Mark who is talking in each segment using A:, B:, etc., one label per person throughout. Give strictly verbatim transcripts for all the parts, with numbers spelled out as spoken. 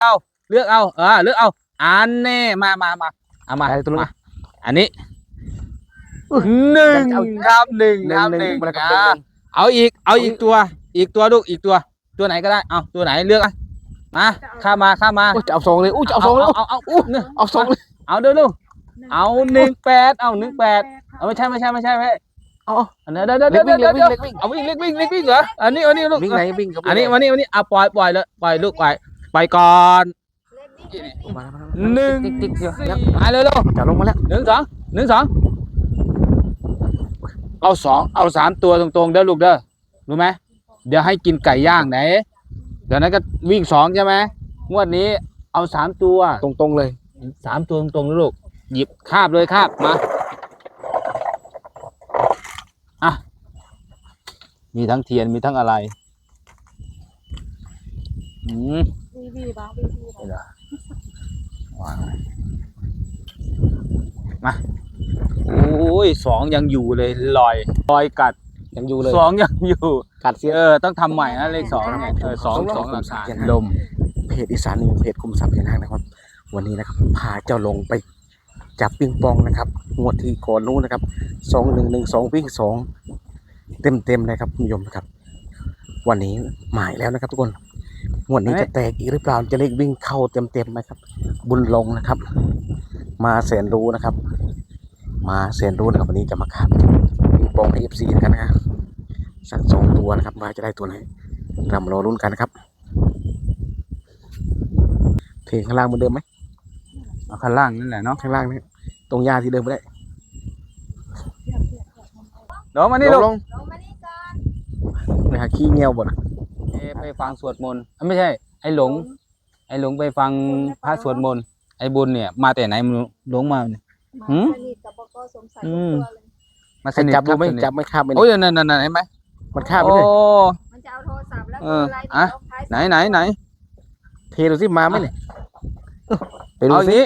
A: เอาเลือกเอาเออเลือกเอาอันนี้มามามาเอามาตัวมาอันนี้หนึ่งครับหนึ่งครับหนึ่งเอาอีกเอาอีกตัวอีกตัวลูกอีกตัวตัวไหนก็ได้เอาตัวไหนเลือกมาข้ามาข้ามา
B: จะเอาสองเลยอู้จะเอาสองเลย
A: เอาเอาเอา
B: เอาสองเลย
A: เอาเดี๋ยวลูกเอาหนึ่งแปดเอาหนึ่งแปดเอาไม่ใช่ไม่ใช่ไม่ใช่ไม่
B: อ๋อ
A: อันนี้เดี๋ยวเดี๋ยวเดี๋ยวเดี๋ยวเดี๋ยวเอาวิ่งเล็กวิ่งเล็กวิ่งเหรออันนี้อันนี้ลูก
B: วิ่งไหนวิ่ง
A: อันนี้วันนี้วันนี้เอาปล่อยปล่อยเลยปล่อยลูกปล่อยปล่อยก่อนหนึ่ง
B: ติ๊กๆ
A: มาเลยลูก
B: จะลงมาแล้ว
A: หนึ่งสองหนึ่งสองเอาสองเอาสามตัวตรงๆเด้อลูกเด้อรู้ไหมเดี๋ยวให้กินไก่ย่างไหนเดี๋ยวนั้นก็วิ่งสองใช่ไหมงวดนี้เอาสามตัว
B: ตรงๆเลย
A: สามตัวตรงๆลูกหยิบคาบเลยคาบมาอ่ะมีทั้งเทียนมีทั้งอะไรอืมวีวีบ้างวีวีวางมาโอ้ยสองยังอยู่เลยลอยลอยกัด
B: ยังอยู่เลย
A: สองยังอยู่
B: กัดเสีย
A: เออต้องทำใหม่นะเลขสองเออสองสองหลักฐานลม
B: เพจอีสานนิวเพจคุมทรัพย์พญานาคนะครับวันนี้นะครับพาเจ้าลงไปจับปิงปองนะครับงวดที่ก่อนนู้นนะครับสองหนึ่งหนึ่งสองวิ่งสองเต็มเต็มเลยครับคุณผู้ชมนะครับวันนี้หมายแล้วนะครับทุกคนงวดนี้จะแตกอีกหรือเปล่าจะเลขวิ่งเข้าเต็มเต็มไหมครับบุญลงนะครับมาแสนรู้นะครับมาแสนรู้นะครับวันนี้จะมาขับปิงปองให้เอฟซีกันนะสักสองตัวนะครับว่าจะได้ตัวไหนเรามารอลุ้นกันนะครับเทข้างล่างเหมือนเดิมไหม
A: เอาข้างล่างนั่นแหละเนาะ
B: ข้างล่างนี่ตรงหญ้าที่เดิมไม่ได้
A: ลงมานี่ลง
B: ไปหาขี้เงี้ยวบ่นะ
A: ไปฟังสวดมนต์ไม่ใช่ไอ้หลงไอ้หลงไปฟังพระสวดมนต์ไอ้บุญเนี่ยมาแต่ไหนมึงหลงมาเนี่ยหืมอืม
B: มาสนิทจับดูไม่จับไม่ข้ามไม่
A: โอ้ยนั่นนั่นเห็นไหม
B: มันข้ามไม่เลย
C: มันจะเอาโทรศัพท์แล้ว
A: อะไรอ่ะไหนไหนไหน
B: เทดูสิมาไหมเนี่ย
A: ไปดูสิ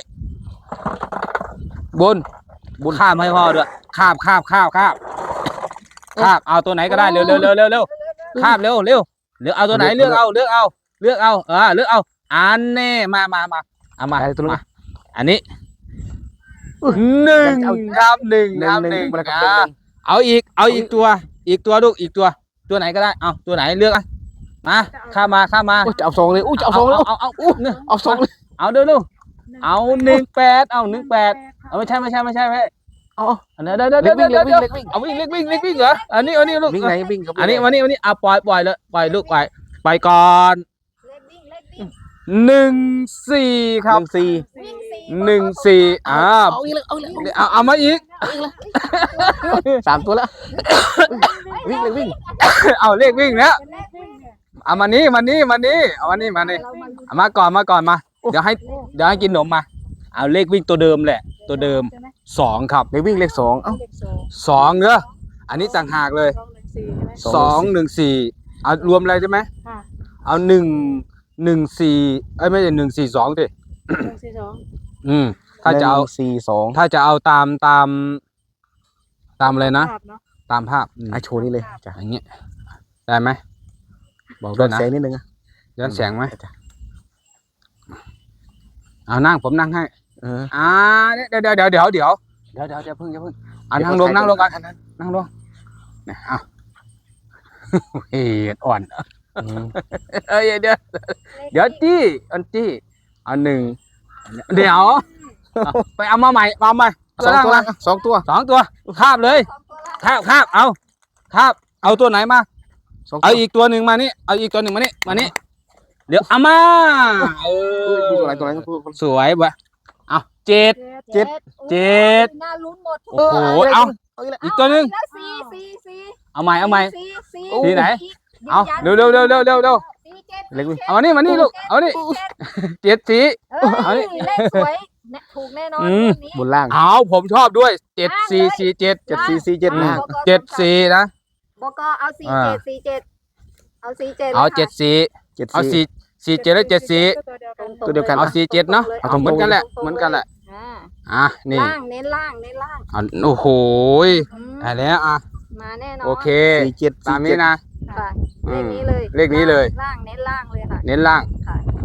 A: บุญบุญข้ามให้พ่อด้วยคาบคาบคาบคาบคาบเอาตัวไหนก็ได้เร็วเร็วเร็วเร็วเร็วคาบเร็วเร็วเลือกเอาตัวไหนเลือกเอาเลือกเอาเลือกเอาเออเลือกเอาอันนี้มามามาเอามาตัวมาอันนี้หนึ่งครับหนึ่งครับหนึ่งเอาอีกเอาอีกตัวอีกตัวลูกอีกตัวตัวไหนก็ได้เอาตัวไหนเลือกมาข้ามาข้ามา
B: จะเอาสองเลยอู้จะเอาสองเลย
A: เอาเอาอู้เนี่ย
B: เอาสองเลย
A: เอาเดี๋ยวลูกเอาหนึ่งแปดเอาหนึ่งแปดเอาไม่ใช่ไม่ใช่ไม่ใช่ไม่
B: อ๋อ
A: อันนี้เดี๋ยวเดี๋ยวเดี๋ยวเดี๋ยวเดี๋ยวเอาวิ่งเล็กวิ่งเล็กวิ่งเหรออันนี้อันนี้ลูก
B: วิ่งไหนวิ่ง
A: อันนี้วันนี้วันนี้เอาปล่อยปล่อยเลยปล่อยลูกปล่อยปล่อยก่อนหนึ่งสี่ครับ
B: หนึ่งสี่
A: หนึ่งสี่อ่าเอาเอามาอีก
B: สามตัวแล้ววิ่งเลยวิ่ง
A: เอาเลขวิ่งแล้วเอามานี้มานี้มานี้เอามานี้มานี้เอามาก่อนมาก่อนมาเดี๋ยวให้เดี๋ยวให้กินขนมมาเอาเลขวิ่งตัวเดิมแหละตัวเดิมสองครับ
B: เลขวิ่งเลขสองเอ้า
A: สองเนอะอันนี้ต่างหากเลยสองหนึ่งสี่เอารวมอะไรใช่ไหมเอาหนึ่งหนึ่งสี่เอ้ยไม่ใช่หนึ่งสี่สองสิ
C: หนึ่งสี่สอง
A: อืมถ้าจะเอา
B: สี่สอง
A: ถ้าจะเอาตามตามตามอะไรนะตามภาพ
B: ไอโชว์นี่เลย
A: จ้ะอย่างเงี้ยได้ไหมบอกด้วยนะ
B: แสงนิดนึงอ่ะ
A: ย้อนแสงไหมเอานั่งผมนั่งให้
B: เออ
A: อ่าเดี๋ยวเดี๋ยวเดี๋ยวเดี๋ยวเดี๋ยวเดี๋ยวเดี๋ยวเดี๋ยวเพิ่งเดี๋ยวเพิ่งอ่านั่งลงนั่งลงกันนั่งลงเนี่ยเอาเฮ้ยอ่อนเอ้ยเดี๋ยวเดี๋ยวจี้อันจี้อันหนึ่งเดี๋ยวไปเอามาใหม่มาใหม่
B: สองตัวสองตัว
A: สองตัวคาบเลยคาบคาบเอาคาบเอาตัวไหนมาเอาอีกตัวหนึ่งมานี่เอาอีกตัวหนึ่งมานี่มานี่เดี๋ยวเอามาเออ
B: ตัวไหนตัวไหน
A: สวยบะเอาเจ็ดเจ็ดเจ็ด
C: น่าลุ้นหมด
A: โอ้โหเอาอีกตัวหนึ่งเอาใหม่เอาใหม่ที่ไหนเอาเร็วเร็วเร็วเร็วเร็วเร็วเอามานี่มานี่ลูกเอานี่เจ็ดสี
C: เอานี่เลขสวยถูกแน่นอน
B: บนล่าง
A: เอาผมชอบด้วยเจ็ดสี่สี่เจ็ด
B: เจ็ดสี่สี่เจ็ดล่าง
A: เจ็ดสี่นะ
C: บกเอาสี่เจ็ดสี่เจ็ดเอาสี่เจ็ด
A: เอาเจ็ดสี่เอาสี่สี่เจ็ดแล้วเจ็ดสี่
B: ตัวเดียวกัน
A: เอาสี่เจ็ดเนาะเอาเหมือนกันแหละเหมือนกันแหละอ่ะนี่
C: ล่างเน้นล่างเน้นล่าง
A: โอ้โหได้แล้วอ่ะ
C: มาแน่นอน
A: โอเค
B: สี่เจ็ด
A: ตามนี้นะ
C: เลขนี้เลย
A: เลขนี้เลย
C: ล่างเน้นล่างเลยค่ะ
A: เน้นล่าง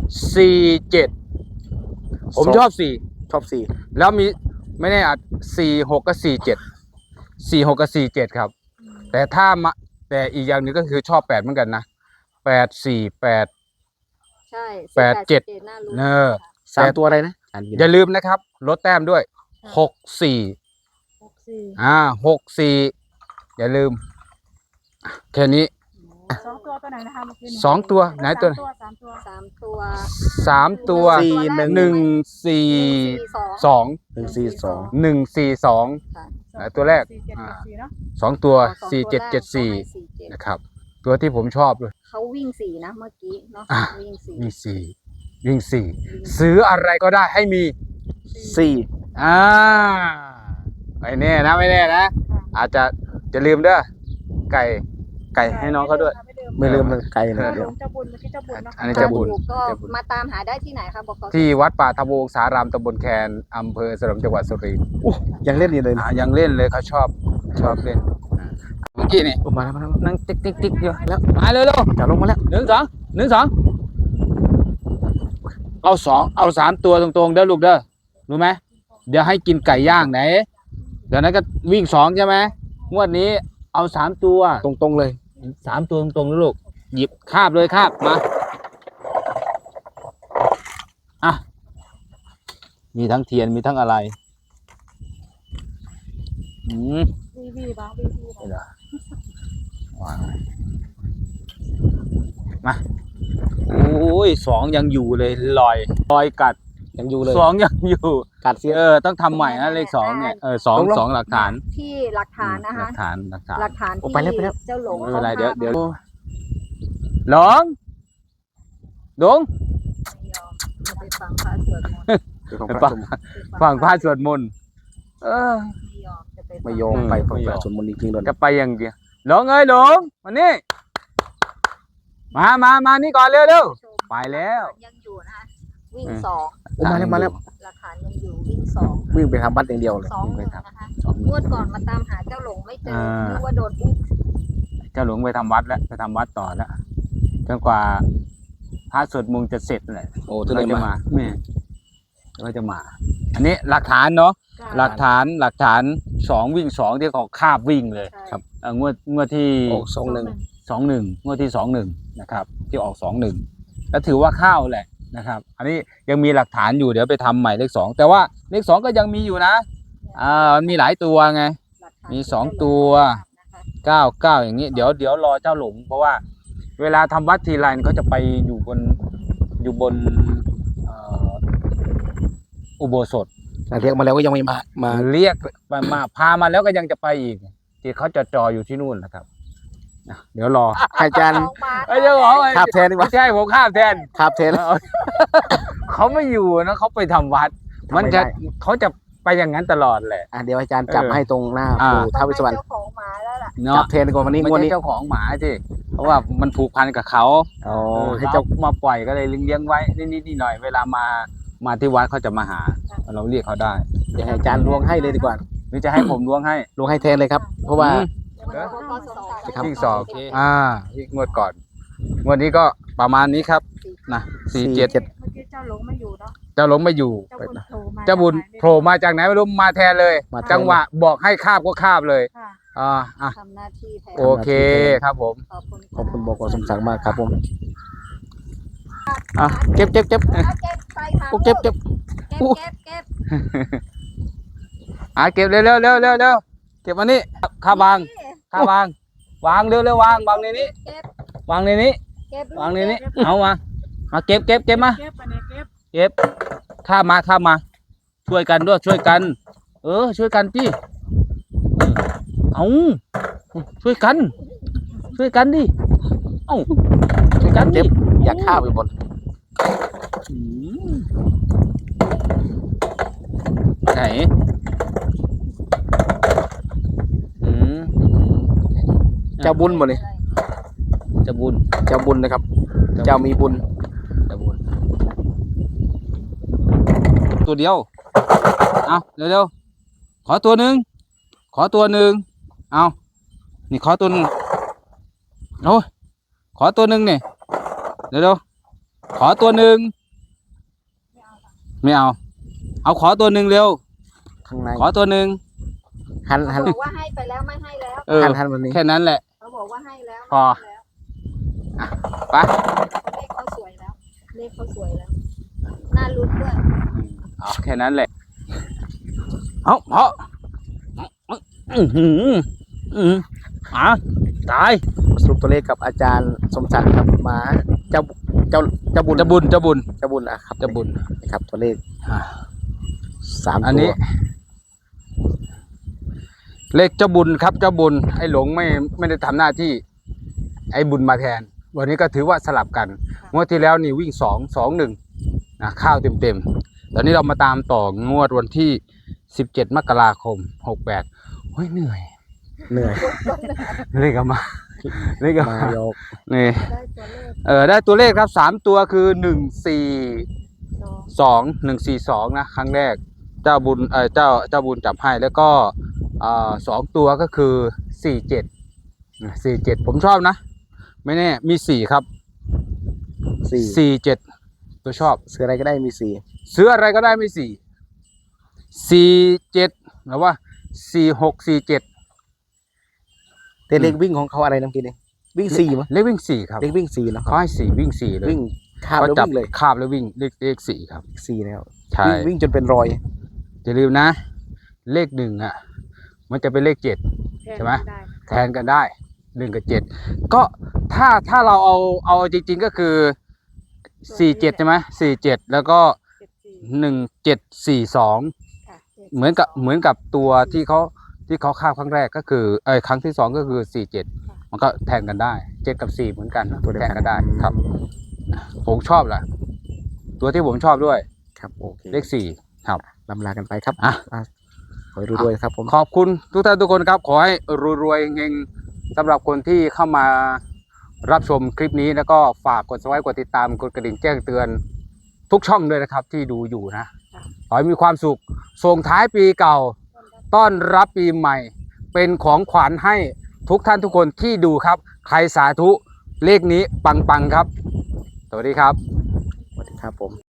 A: สี่เจ็ดผมชอบสี่
B: ชอบสี่
A: แล้วมีไม่แน่อาจสี่หกกับสี่เจ็ดสี่หกกับสี่เจ็ดครับ แต่ถ้ามาแต่อีกอย่างหนึ่งก็คือชอบแปดเหมือนกันนะแปดสี่แปด
C: ใช่
A: แปดเจ็ด
C: น่ารู้
A: เนอ
B: สามตัวอะไรนะอ่าน
A: อย่าลืมนะครับลดแต้มด้วยหกสี่
C: หกสี่
A: อ่าหกสี่อย่าลืมแค่นี้
D: สองตัวตัวไหนนะคะเมื่อกี้เนี่ย
A: สองตัวไหนตัว
D: สามตัว
C: สามตัว
A: สามตัว
B: สี่หนึ่ง
A: หนึ่งสี่
C: สอง
A: สอง
B: หนึ่งสี่สอง
A: หนึ่งสี่สอง
C: ค่ะ
A: ไหนตัวแรก
D: สี่เจ็ดเจ็ดสี่เนาะ
A: สองตัว
C: สอง
A: สี่เจ็ด
C: ตัวแรก
A: เจ็ดสี่
C: เขาให้สี่เจ็ด
A: นะครับ ตัวที่ผมชอบเลย
C: เขาวิ่งสี่นะเมื่อกี้เนาะ
A: อ่ะ
C: วิ่งสี่
A: มีสี่วิ่งสี่ซื้ออะไรก็ได้ให้มี
B: สี่
A: อ่าไม่แน่นะไม่แน่นะ อาจจะจะลืมเด้อไก่ไก่ให้น้องเขาด้วย
B: ไม่ลืมเลยไกลนะ
D: เจ้า
B: เดี๋
D: ห
B: ยว
D: ลงเจ้าบุญเมื่อกี้เจ้าบุญเนาะ
A: อันนี้
C: ถ้า
A: จะบุญ
C: ถูกก็
A: จะบุญ
C: มาตามหาได้ที่ไหนคะบอกเขา
A: ที่วัดป่าทบวงสารามตำบลแคนอำเภอสนมจังหวัดสุรินทร์
B: ยังเล่นอยู่เลยนะ
A: อ่ายังเล่นเลยเขาชอบชอบเล่นอ่าเมื่อกี้นี่
B: โอ้มาแล้วมาแล้ว
A: นั่งติ๊กติ๊กติ๊กอยู่แล้วมาเร็วเร็ว
B: จะลงมาแล้ว
A: หนึ่งสองหนึ่งสองเอาสองเอาสามตัวตรงๆเด้อลูกเด้อรู้ไหมเดี๋ยวให้กินไก่ย่างไหน เดี๋ยวนั้นก็วิ่งสองใช่ไหมงวดนี้เอาสามตัว
B: ตรงๆเลย
A: สามตัวตรงๆนะลูกหยิบคาบเลยคาบมาอ่ะมีทั้งเทียนมีทั้งอะไรอืม
D: วีวีบ้างวีวีบ้าง
A: เดี๋ยววางมาโอ้ยสองยังอยู่เลยลอยลอยกัด
B: ยังอยู่เลย
A: สองยังอยู่
B: กัดเสีย
A: เออต้องทำใหม่นะเลขสองเนี่ยเออสอง
B: ลงๆ
A: สองหลักฐาน
C: ที่หลักฐานนะ
A: หลั
C: คะ
A: กฐานหลักฐาน
C: หลักฐาน
B: โอ้
C: ที่
B: ไปแล้วไปแล้ว
C: เจ้าหลง
A: ไม่เป็นไรเดี๋ยวเดี๋ยว
B: โอ้
A: หลงหลง
C: จะไปฟังพระสวดมนต์
B: เดี๋ยวของ
A: ไป
B: พระ
A: ฟัง
B: สม
A: ฟังพระสวดมนต์เออ
C: ไม่ยอมจะไปฟัง
B: ไม่ยอมไป
A: อืม
B: ฟัง
A: ไม่ย
B: พ
A: อม
B: ระสวดมนต์จริงๆเลย
A: จะไปอย่างเดียวหลงเอ้ยหลงมานี่มามามานี่ก่อนเร็วเร็ว ไปแล้ว
C: ยังอยู่นะคะวิ่งสอง
B: โอ้มาแล้วมาแล้ว
C: หลักฐานยังอยู่วิ่งสอง
B: วิ่งไปทำบัตรอย่างเดียวเลย
C: สองหนึ่งนะคะงวดก่อนมาตามหาเจ้าหลงไม่เจอนึกว่าโดนอุ้ม
A: เจ้าหลวงไปทำวัดแล้วไปทำวัดต่อแล้วจนกว่าพระสวดมนต์จะเสร็จแหละ
B: โอ้
A: จะ
B: จะได้
A: จะ
B: มา
A: มาแม่ก็จะมา อันนี้หลักฐานเนาะหลักฐานหลักฐานสองวิ่งสองที่เขาคาบวิ่งเลย
C: ครับ
A: เอองวดงวดที่
B: โอ้สองหนึ่ง
A: สองหนึ่งงวดที่สองหนึ่งนะครับ ที่ออกสองหนึ่งแล้วถือว่าเข้าแหละนะครับ อันนี้ยังมีหลักฐานอยู่เดี๋ยวไปทำใหม่เลขสองแต่ว่าเลขสองก็ยังมีอยู่นะอ่ามันมีหลายตัวไง
C: หลักฐาน
A: มีสองตัว เก้าเก้าอย่างนี้เดี๋ยวเดี๋ยวรอเจ้าหลงเพราะว่าเวลาทำวัดทีไรเขาจะไปอยู่บนอยู่บนเอ่ออุโบสถ
B: แต่เรียกมาแล้วก็ยังไม่มามา
A: เรียกมามาพามาแล้วก็ยังจะไปอีกที่เขาจะจออยู่ที่นู่นนะครับอ่ะเดี๋ยวรอ
B: ให้อาจารย์
C: ของมา
A: ไอ้เจ้าของไอ้
B: คาบแทนดีก
A: ไม่
B: ว่า
A: ใช่ผมข้ามแทน
B: คาบแทน
A: เอาเขาไม่อยู่นะเขาไปทำวัด
B: ทำไม
A: มันจะ
B: ได้
A: เขาจะไปอย่างนั้นตลอดแหละ
B: อ่ะเดี๋ยวอาจารย์จับ
A: เออ
B: ให้ตรงหน้า
A: อ่า
B: ปู่ท้าวเวสสวรรณ
C: เจ้าของหมาแล้วล่ะ
A: เนาะ
B: จับแทนดีกว่าวันนี้
A: ไม่
B: งวด
A: ใช่
B: นี้
A: เจ้าของหมาที่เพราะว่ามันผูกพันกับเขา
B: อ๋อ
A: เออ
B: ให้
A: ให้
B: เจ้า
A: เจ้ามาปล่อยก็เลยเลี้ยงไว้นิดๆหน่อยๆเวลามามาที่วัดเขาจะมาหา เราเรียกเขาได้
B: เดี๋ยวให้อาจารย์ลวงให้เลยดีกว่า
A: หรือจะให้ผมล้วงให้
B: ลวงให้แทนเลยครับ เพราะว่า
A: อืม
B: ครับ
A: วิ่งสองอ่าวิ่งงวดก่อนงวดนี้ก็ประมาณนี้ครับนะสี่เจ็ด
B: เจ็ด
D: เมื่อกี้เจ้าหลงไม่อยู่เนาะ
A: เจ้าหลงไม่อยู่
D: เจ้าบุญโผล่มา
A: เจ้าบุญโผล่มาจากไหนไม่รู้มาแทนเลย
B: มาแทน
A: จังหวะบอกให้คาบก็คาบเลย
D: ค่ะ
A: อ่าอ่ะ
C: ทำหน้าที่แทน
A: โอเคครับผม
C: ขอบคุณ
B: ขอบคุณบอกสมศักดิ์มากครับผมอ่ะเก็บเก็บเก็บ
C: เอาเก็บใส่ถัง
B: โอ้เก็บเก็บ
C: เก็บเก็บเก็บ
A: อ่ะเก็บเร็วเร็วเร็วเร็วเร็วเก็บอันนี้ข้าวางข้าวาง วางเร็วเร็ววางวางในนี้
C: เก็บ
A: วางในนี้
C: เก็บ
A: วางในนี้เอามามาเก็บเก็บเก็บมา
D: เก็บอันนี้เก็บ
A: เก็บข้ามมาข้ามมา ช่วยกันด้วยช่วยกัน เออ ช่วยกันพี่เออเอาช่วยกัน ช่วยกันดิเอ้าช่วยกันดิ
B: เก็บอยากข้าวไปบน
A: อืมไหนอืม
B: เจ้าบุญหมดเลย
A: จะบุญ
B: เจ้าบุญนะครับ เจ้ามีบุญ
A: จะบุญตัวเดียวเอาเร็วๆขอตัวหนึ่งขอตัวหนึ่งเอานี่ขอตัวหนึ่งโอ้ยขอตัวหนึ่งเนี่ยเร็วๆขอตัวหนึ่งไม่เอา เอาขอตัวหนึ่งเร็ว
B: ข้างใน
A: ขอตัวหนึ่ง
B: หันหั
C: เขา
B: น
C: บอกว่าให้ไปแล้วไม่ให้แล้ว
A: เออ
B: หันหันวันนี้
A: แค่นั้นแหละ
C: เขาบอกว่าให้แล้ว
A: พอ
C: ไม่ให้แล้ว
A: ไป
C: เลขเขาสวยแล้ว เลขเขาสวยแล้ว น่าลุ้นด้วย
A: เอาแค่นั้นแหละ เอาเพาะอือหืออืออ่ะตาย
B: สรุปตัวเลขกับอาจารย์สมศักดิ์ครับมาเจ้าเจ้าเจ้าบุญ
A: จะบุญจะบุญ
B: เจ้าบุญอ่ะครับ
A: จะบุญ
B: นะครับตัวเลข
A: อ่ะ
B: สาม
A: อัน
B: ตั
A: นี้
B: ว
A: เลขเจ้าบุญครับเจ้าบุญไอ้หลงไม่ไม่ได้ทำหน้าที่ ไอ้บุญมาแทน วันนี้ก็ถือว่าสลับกันงวดที่แล้วนี่วิ่งสองสองหนึ่งนะข้าวเต็มเต็มๆตอนนี้เรามาตามต่องวดวันที่สิบเจ็ดมกราคมหกแปดเฮ้ยเหนื่อย
B: เหนื่อย
A: เลขก็มาเลขก็
B: มา
A: มา
B: โยก
A: นี่
C: ได้ตัวเลข
A: เออได้ตัวเลขครับสามตัวคือหนึ่งสี่
C: สอง
A: สองหนึ่งสี่สองนะครั้งแรกเจ้าบุญเออเจ้าเจ้าบุญจับให้แล้วก็เอ่อสองตัวก็คือสี่เจ็ดสี่เจ็ดผมชอบนะ ไม่แน่มีสี่ครับ
B: สี่
A: สี่เจ็ดตัวชอบ
B: เสืออะไรก็ได้มีสี่
A: ซื้ออะไรก็ได้ไม่สี่สี่เจ็ดหรือว่าสี่หกสี่เจ็ด
B: แต่เลขวิ่งของเขาอะไรน้ำกินเองวิ่งสี่มั้ย
A: เลขวิ่งสี่ครับ
B: เลขวิ่งสี่เนาะ
A: เขาให้สี่วิ่งสี่เลย
B: วิ่งข้าม
A: เขา
B: แล้ว
A: จับ
B: วิ่งเลย
A: คาบแล้ววิ่งเลขเลขสี่ครับ
B: สี่แล้ว
A: ใช่
B: วิ่งวิ่งจนเป็นรอย
A: อย่าลืมนะ เลขหนึ่งอ่ะ มันจะเป็นเลขเจ็ด ใช่ไหม
D: ได้
A: แทนกันได้หนึ่งกับเจ็ดก็ถ้าถ้าเราเอาเอาจริง ๆก็คือสี่เจ็ดใช่ไหมสี่เจ็ดแล้วก็
D: เจ็ดสี่
A: หนึ่งเจ็ดสี่สอง
D: ค่ะ
A: เหมือนกับเหมือนกับตัวที่เขาที่เขาคาบครั้งแรกก็คือเออครั้งที่สองก็คือสี่เจ็ดมันก็แทนกันได้เจ็ดกับสี่เหมือนกัน
B: ตัวเดียว
A: แท
B: กัน
A: นกันได้ครับ ผมชอบแหละตัวที่ผมชอบด้วย
B: ครับโอเค
A: เลขสี่ครับ
B: ลำลากันไปครับ
A: อ่ะ
B: อ่ะขอให้รวยๆครับผม
A: ขอบคุณทุกท่านทุกคนครับ ขอให้รวยๆเฮงๆสำหรับคนที่เข้ามารับชมคลิปนี้แล้วก็ฝากกด subscribe กดติดตามกดกระดิ่งแจ้งเตือนทุกช่องด้วยนะครับ ที่ดูอยู่นะขอให้มีความสุขส่งท้ายปีเก่า ต้อนรับปีใหม่ เป็นของขวัญให้ทุกท่านทุกคนที่ดูครับ ใครสาธุเลขนี้ปังๆครับ สวัสดีครับ
B: สวัสดีครับผม